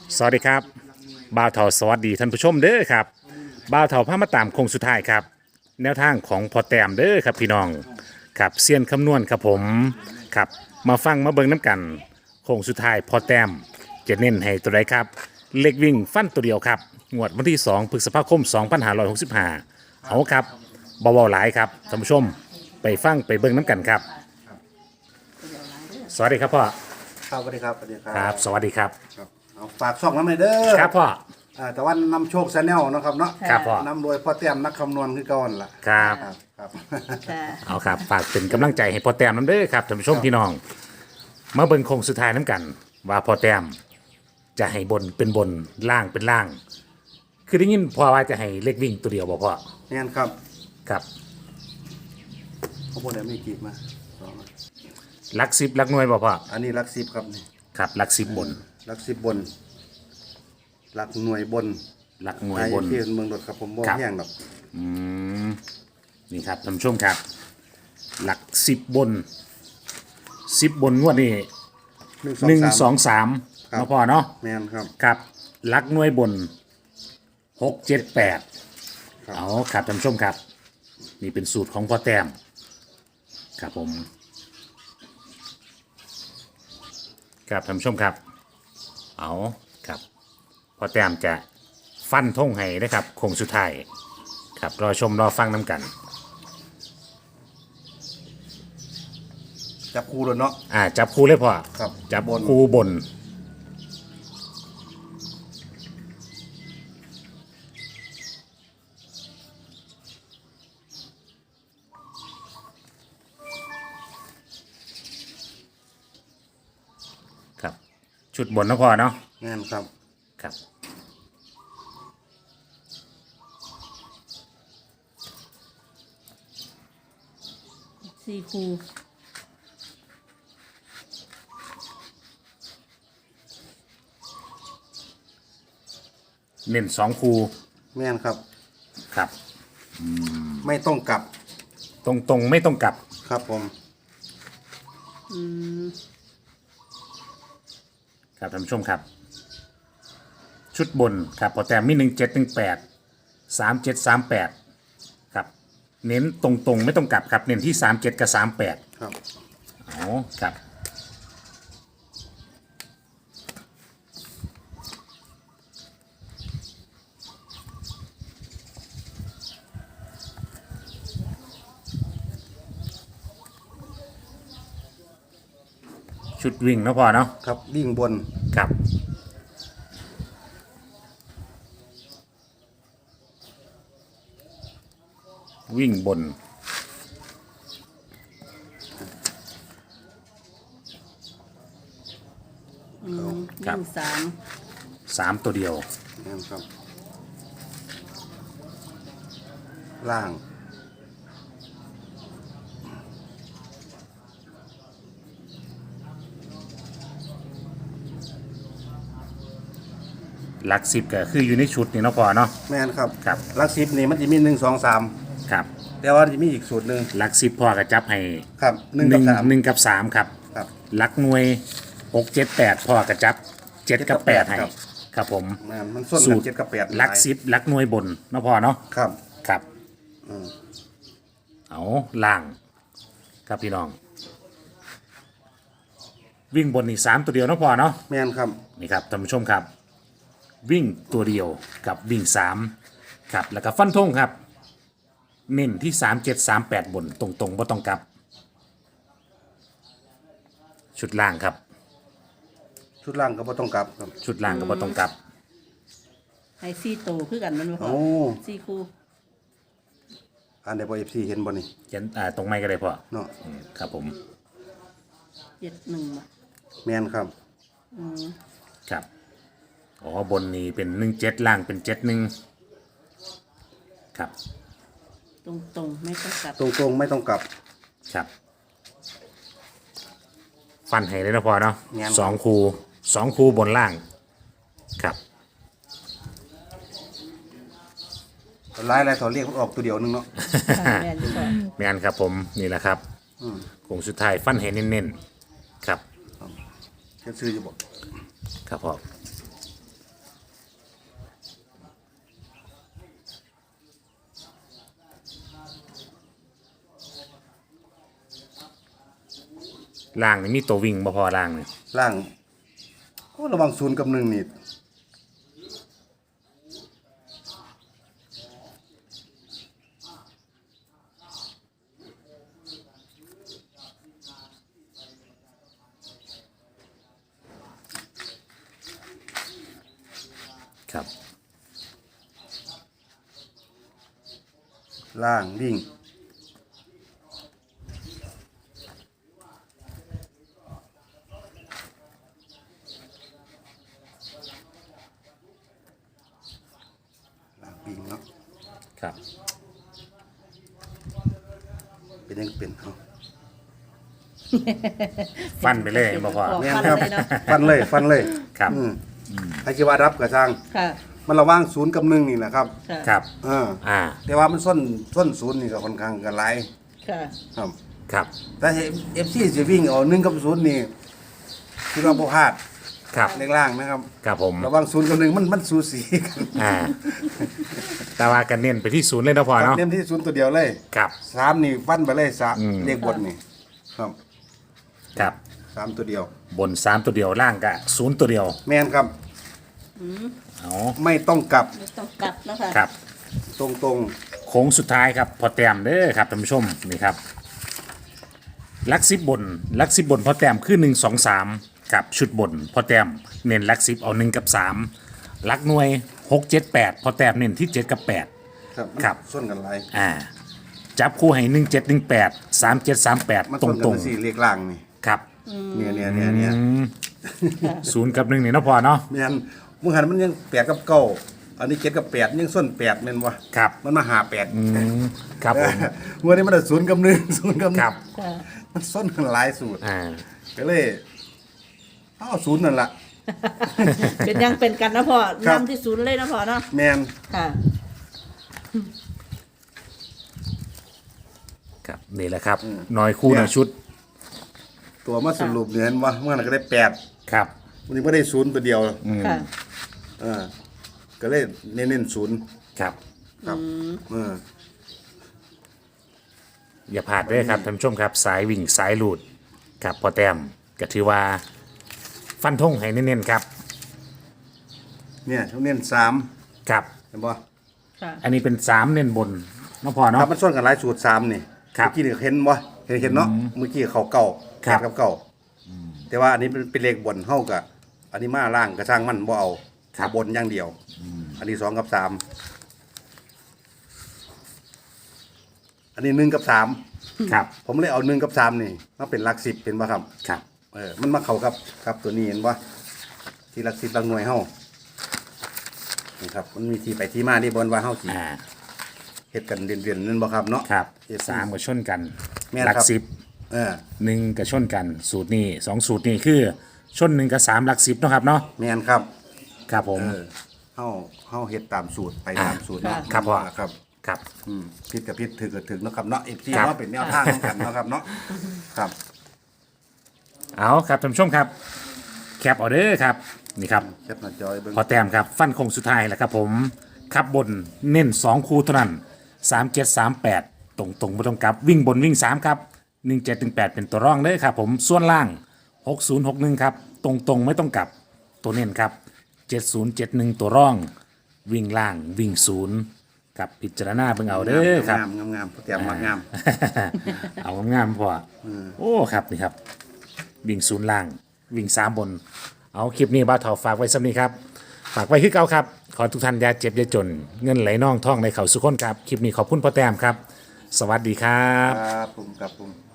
สวัสดีครับบ่าวเถาสวัสดีท่านผู้ชมเด้อครับบ่าวเถาพามาตามโค้งสุดท้ายครับแนวทางของพอแต้มเด้อครับพี่น้องครับเซียนคำนวณครับผมครับมาฟังมาเบิ่งน้ำกันโค้งสุดท้ายพอแต้มจะเน้นให้ตัวใดครับเล็กวิ่งฟันตัวเดียวครับงวดวันที่2พฤษภาคม2565เอาครับเบาๆหลายครับท่านผู้ชมไปฟังไปเบิ่งน้ำกันครับสวัสดีครับพ่อครับสวัสดีครับสวัสดีครัครับสวัสดีครับครับเอาฝากช่องน้ำเลยเด้อครับพ่อแต่ว่านำโชคชาแนลนะครับเนาะครับพ่อนำโดยพ่อเตี้ยมนักคำนวณคือก่อนล่ะครับครับค่ะเอาครับฝากเป็นกำลังใจให้พ่อแต้มน้ำเด้อครับท่านผู้ชมพี่น้องมาเบิ่งโค้งสุดท้ายน้ำกัน ว่าพ่อแต้มจะให้บนเป็นบนล่างเป็นล่าง คือได้ยินพ่อว่าจะให้เล็กวิ่งตัวเดียวบ่พ่อแน่นครับครับเขาพูดอะไรไม่กีบมาสองหลักสิบหลักหน่วยบ่พ่ออันนี้หลักสิบครับนี่ครับหลักสิบบนหลักสิบบนหลักหน่วยบนหลักหน่วยบนที่เมืองรถครับผมบ่ครับแห้งหรอกนี่ครับท่านผู้ชมครับ หลักสิบบน10 บนงวดนี้1 2 3 ครับเนาะพ่อเนาะแม่นครับครับหลักหน่วยบน6 7 8 ครับเอาครับท่านผู้ชมครับ นี่เป็นสูตรของพ่อแต้มครับผมครับท่านผู้ชมครับเอาครับพ่อแต้มจะฟันธงให้นะครับโค้งสุดท้ายครับรอชมรอฟังน้ำกันจับคู่เลยเนาะจับคู่เลยพ่อครับจับบนคู่บนครับชุดบนนะพ่อเนาะแน่นครับครับสี่คูเน้น2 คู่แม่นครับครับไม่ต้องกลับตรงๆไม่ต้องกลับครับผมอืมครับท่านผู้ชมครับ ชุดบนครับพอแต้มมี17 18 37 38ครับเน้นตรงๆไม่ต้องกลับครับเน้นที่37กับ38 ครับอ๋อครับชุดวิ่งเนาะพ่อเนาะครับวิ่งบนครับวิ่งบน ครับวิ่ง3 ตัวเดียวแม่นครับ ล่างหลักสิบก็คืออยู่ในชุดนี่เนาะพ่อเนาะแม่นครับครับหลักสิบนี่มันจะมี1 2 3 ครับแต่ว่าจะมีอีกสูตรหนึ่งหลักสิบพ่อก็จับให้ครับหนึ่งหกับนึ่งสามหนึ่งกับสามครับครับหลักหน่วย6 7 8พ่อก็จับ7 กับ 8ให้ครับครับผมมันส้นสูกัตนร 7 กับ 8 หลักสิบหลักหน่วยบนเนาะพ่อเนาะครับครับอืมเอาล่างครับพี่น้อง วิ่งบนนี่3 ตัวเดียวเนาะพ่อเนาะแม่นครับนี่ครับท่านผู้ชมครับ วิ่งตัวเดียวกับวิ่ง3ครับแล้วก็ฟันธงครับ เน้นที่37 38บนตรงๆบ่ต้องกลับ ชุดล่างครับชุดล่างก็บ่ต้องกลับครับชุดล่างก็บ่ต้องกลับให้4โตคือกันแมันบ่พอโอ้ 4คูอันเดบเอฟซีเห็นบ่นี่เขียนตรงไม้ก็ได้พ่อเนาะครับผม 71บ่แม่นครับอืมครับอ๋อบนนี้เป็น17ล่างเป็น71ครับตรงๆไม่ต้องกลับตรงๆไม่ต้องกลับครับ ฟันให้เลยนะพ่อเนาะงั้น 2 คูบนล่างครับหลายๆเขาเรียกมันออกตัวเดียวนึงเนาะแม่นอยู่บ่แม่นครับผมนี่แหละครับอืมโค้งสุดท้ายฟันให้เน้นๆครับแค่ซื้ออยู่บ่ครับพ่อล่างนี่มีตัววิ่งบ่พอล่างนี่ล่างก็ระวัง0กับ1นี่ครับล่างวิ่งล่างวิ่งเนาะครับเป็นยังเป็นเนาะฟันไปเลยบ่พอบอกแม่นฟันครับเลยเนาะฟันเลยฟันเลยครับใครคิดว่ารับกับทางค่ะมันระหว่าง0กับ1นี่แหละครับค่ะครับอ่าแต่ว่ามันส้น0นี่ก็ค่อนข้างกันหลายค่ะครับครับแต่เอฟซีจะวิ่งเอา1กับ0นี่คือเราบ่พลาดครับเลขล่างนะครับครับผมระหว่าง0กับ1มันสูสีกันแต่ว่ากันเน้นไปที่ศูนย์เลยเนาะพอเนาะเน้นที่0ตัวเดียวเลยครับ 3นี่ฟันไปเลย3เลขบนนี่ครับครับ 3ตัวเดียวบน3ตัวเดียวล่างก็0ตัวเดียวแม่นครับเอาไม่ต้องกลับไม่ต้องกลับนะคะครับตรงโค้งสุดท้ายครับพอแต้มเด้อครับท่านผู้ชมนี่ครับลักซิบบนลักซิบบนพอแต้มคือ1 2 3กับชุดบนพอแต้มเน้นลักซิบเอา1กับ3ลักหน่วย6 7 8พอแต้มเน้นที่7กับ8 ๆครับครับส้นกันหลายจับคู่ให้1 7 1 8 3 7 3 8 มันตรส้งนตกัรงนสี่เลขล่างนี่ครับเนี่ยศูนย์กับ1นี่เนาะพอเนาะแม่นมึงหันมันยัง8กับ9อันนี้7กับ8ยังส้น8แม่นบ่ครับมันมาหา8 ครับผมเมื่อนี้มันได้0กับ1 0กับครับค่ะมันส้นกันหลายสูตรอ่าก็เลยเอา0นั่นล่ะเป็นยังเป็นกันนะพ่อครับนำที่ศูนย์เลยนะพ่อเนาะแม่นค่ะครับนี่แหละครับน้อยคู่น้อยชุดตัวมาสรุปเนี่ยเห็นว่าเมื่อนั้นก็ได้8 ครับวันนี้บ่ได้0ตัวเดียวค่ะก็เลยเน้น0 ครับครับเอออย่าพลาดด้วยครับท่านผู้ชมครับ สายวิ่งสายหลุดครับพอแต้มก็ถือว่า ฟันธงให้เน้นๆครับเนี่ยเขาเน้น3 ครับเห็นบ่ค่ะอันนี้เป็น3เน้นบนเนาะพอคเนาะรับมันส้นกันหลายสูตร3นี่ครับเมื่อกี้นี่เห็นบ่เห็นเนาะเมื่อกี้เขาเก่าครับ 8กับเก่าแต่ว่าอันนี้เป็นเลขบนเฮากับอันนี้มาล่างกระช่างมันบ่เอาขาบนอย่างเดียวอันนี้2กับ3อันนี้1กับ3 ครับผมเลยเอา1กับ3นี่มาเป็นหลัก10เป็นบ่ครับครับมันมาเข้ากับตัวนี้เห็นบ่ที่หลัก10หลักหน่วยเฮานี่ครับมันมีที่ไปที่มาที่บนว่าเฮาสิอ่าเฮ็ดกันเรียนๆนั่นบ่ครับเนาะครับเฮ็ด 3ก็ชนกันแม่นหลักครับสิบเออ 1ก็ชนกันสูตรนี้2สูตรนี้คือชน1กับ3หลัก10เนาะครับเนาะแม่นครับครับผมเฮาเฮ็ดตามสูตรไปตามสูตรเนาะครับพ่อครับครับผิดกับผิดถือกับถือเนาะครับเนาะ FC ครับเนาะเป็นแนวทางของกันเนาะครับเนาะครับเอาครับท่านผู้ชมครับแคปออเดอร์ครับนี่ครับแคปหน้าจอยเบิ่งพอแต้มครับฟันคงสุดท้ายแหละครับผมขับบนเน้น2คู่เท่านั้น3738ตรงไม่ต้องกลับวิ่งบนวิ่ง3ครับ1718เป็นตัวร่องเลยครับผมส่วนล่าง6061ครับตรงไม่ต้องกลับตัวเน้นครับ7071ตัวร่อง วิ่งล่างวิ่งศูนย์กับพิจารณาเบิ่งเอาเด้อครับงามๆแต้มมางามเอางามๆพอโอ้ครับนี่ครับ วิ่งศูนย์ล่าง วิ่ง3บน เอาคลิปนี้บ้าวเถาฝากไว้สำนี้ครับ ฝากไว้คือเก่าครับ ขอทุกท่านอย่าเจ็บอย่าจน เงินไหลน่องท่องในเขาสุขคนครับ คลิปนี้ขอบคุณพ่อแต้มครับ สวัสดีครับครับผม